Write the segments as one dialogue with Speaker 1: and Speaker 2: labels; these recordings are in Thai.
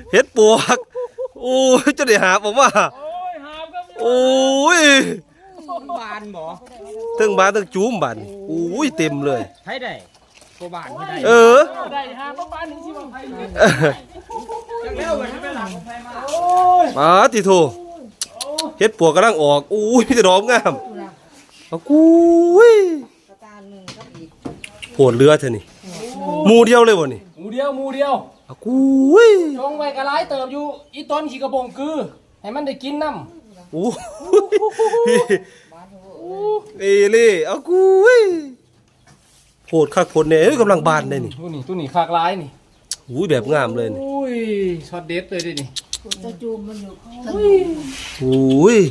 Speaker 1: เฮ็ดปวกโอ้ยจะได้หาผมว่าโอ้ย
Speaker 2: บานบ่
Speaker 1: ทั้งบานทั้งจูมบานโอ้ยเต็มเลย
Speaker 2: ให้ได้บ่บานให้ได้
Speaker 1: เออ
Speaker 3: ได้หาบ้านถึงที่บางไผ่
Speaker 2: จักแล้วมันไม่หลังของใครมา
Speaker 1: มาติโทเฮ็ดปวกกำลังออกโอ้ยมีแต่ดอกงามเอากูยโหดเรือเถอะนี่หมู่เดียวเลยบ่นี่
Speaker 3: หมูเดียว
Speaker 1: เอากูย
Speaker 3: จงไว้กระไรเติบอยู่อีต้นขี้กระบงคือให้มันได้กินน้ำ
Speaker 1: โอ้เอเล่เอากูยโหดคักโหดแน่เอ้ยกำลังบานได้นี่
Speaker 3: ตัวนี้คากร้ายนี่
Speaker 1: โอ้ยแบบงามเลยนี่
Speaker 3: อุ้ยช็อตเด็ดเลยดินี่
Speaker 4: จะจูมมันอยู่
Speaker 1: โอ้ย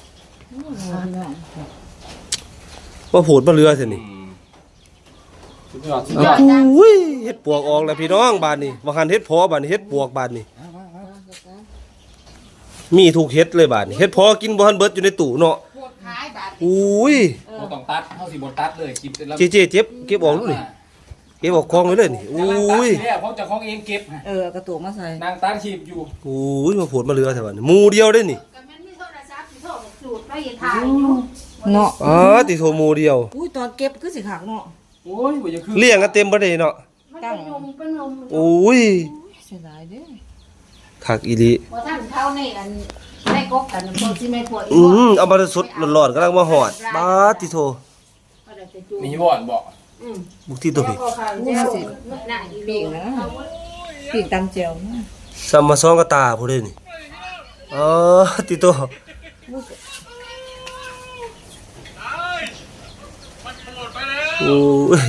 Speaker 1: ว่าโหดมาเรือเถอะนี่
Speaker 3: สุดยอด
Speaker 1: เอากูยเฮ็ดปวกออกแล้วพี่น้องบานนี่ว่าหันเฮ็ดพอบานนี่เฮ็ดปวกบานนี่มีทุกเฮ็ดเลยบานนี่เฮ็ดพอกินบ่ทันเบิดอยู่ในตู้เนาะ
Speaker 4: ปวดขายบาด
Speaker 1: อุ้ย
Speaker 3: บ่ต้องตัดเฮาสิบ่ตัดเลยคลิปแล้ว
Speaker 1: เจ๊เจ็บเก็บออกดูนี่เก็บออกคลองไว้เลยนี่อุ้ย
Speaker 3: แล้วเพราะเจ้าของเองเก็บ
Speaker 4: กระตุกมาใส่
Speaker 3: นางตัดคลิปอยู่
Speaker 1: อุ้ยมาโผล่มาเรือแถวนี้หมูเดียวได้นี่
Speaker 4: ก็มันมีโทรศัพท์สิโทรสูตรไปเฮ็ดทายอยู่
Speaker 5: เนาะ
Speaker 1: อ๋อติโทหมูเดียว
Speaker 5: อุ้ยตอนเก็บคือสิขักเนาะ
Speaker 3: โอ้ยบ่อยากคือ
Speaker 1: เลี้ยงกันเต็มบ่ได้เนาะ
Speaker 4: มันเป็นยุงเป็นลม
Speaker 1: อุ้ย
Speaker 5: เสียดายเด้อ
Speaker 1: คักอีหลี
Speaker 4: บ่ทันเข้าในอันในกกกันพวกสิแม่พวกอี
Speaker 1: เอามาสดร้อนๆกำลังมาหอดบาดติโท
Speaker 3: นี่บ่อนบ่
Speaker 1: บุกที่ตัวพี่
Speaker 4: น่ะอี
Speaker 5: ปีกนะปีกตำเจียวนะ
Speaker 1: ซัมมาซองกระตาผู้ใดนี่อ๋อติโตโอ้ย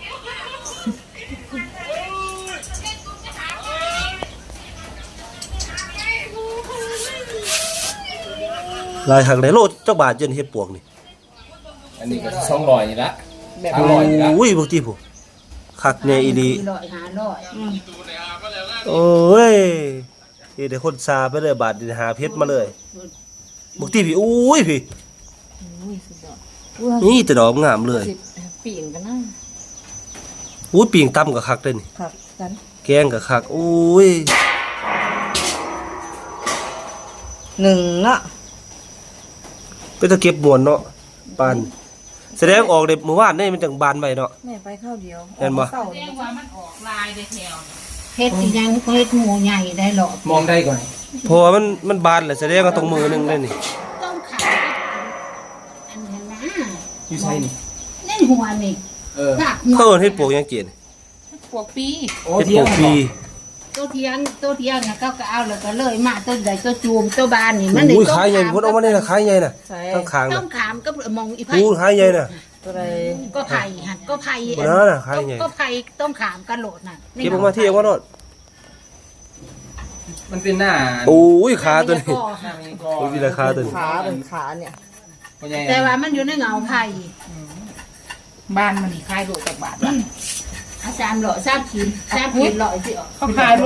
Speaker 1: ลายหักได้โลจักบาทเจนเฮ็ดปวกนี่
Speaker 3: อันนี้ก็200นี่ละ500นี่ละ
Speaker 1: อุ้ยบุกที่ผู้คักแน่อีหลี
Speaker 4: 100
Speaker 1: โอ้ยเฮ็ดให้คนซาไปเลยบาทนี่หาเพชรมาเลยบุกที่พี่อุ้ยพี่
Speaker 5: อุ้ยสุดยอด
Speaker 1: นี่แต่ดอกงามเลย
Speaker 5: สิปีกกันนะ
Speaker 1: อุ้ยปิ่งตำกับคักเลยนี่
Speaker 5: ครับกัน
Speaker 1: แกงกับคักอุ้ย
Speaker 5: หนึ่งเนาะ
Speaker 1: ไปตะเก็บมวนเนาะปานแสดงออกเด็บเมื่อวานนี่มันจังบานไว้เนาะ
Speaker 5: แม่ไปข้าวเดียว
Speaker 1: เห็นบ่
Speaker 5: เศร้า
Speaker 4: เรียกว่ามันออกลายได้แถวเฮ็ดอีหยังเฮ็ดหมูใหญ่ได้หรอ
Speaker 3: มองได้ก่อน
Speaker 1: เพราะว่ามันบานแหละแสดงว่าตรงมือหนึงเลยนี่
Speaker 4: ต้องขายอันนั้นนะ
Speaker 3: อยู่ไสนี่
Speaker 4: ในหัวนี่
Speaker 3: เออ
Speaker 4: ผักหัว
Speaker 1: เขาเอิ้นเฮ็ดปวกหยังเกียน
Speaker 4: พวกปี
Speaker 3: โอ้
Speaker 1: เฮ็ด
Speaker 3: เที่
Speaker 1: ป
Speaker 3: ยว ว
Speaker 1: กปี
Speaker 4: ตัวเทียงนะเขาก็เอาแล้วก็เลยมาตัวใดตัวจูมตัวบานนี่มันได้
Speaker 1: อุ้ยขายใหญ่พุ่นเอามาได้น่ะขายใหญ่น่ะ
Speaker 5: ใส่
Speaker 1: ข้างข้าง
Speaker 4: ต้
Speaker 1: น่ะ
Speaker 4: องขามก็มองอีไผ่
Speaker 1: อู้ขายใหญ่น่ะ
Speaker 5: ตัวใด
Speaker 4: ก็ไผ่หันก็ไผ่
Speaker 1: บ่นั่นน่ะขายใหญ่
Speaker 4: ก็ไผ่ต้องขามกันโหลดน่ะ
Speaker 1: เก็บออกมาที่เอามาโดด
Speaker 3: มันเป็นหน้า
Speaker 1: อุ้ยขาตัวนี้
Speaker 3: หน้ามีกอ
Speaker 1: อุ้ยมีราคาตัวนี้
Speaker 5: ขาเป็นขาเนี่ย
Speaker 3: พ่อใหญ่
Speaker 4: แต่ว่ามันอยู่ในเงาไผ่บ้านมันนี่ขายโลจากบาทอาจารย์หล่อทราบขีดหล่อสิ
Speaker 3: เขาขาย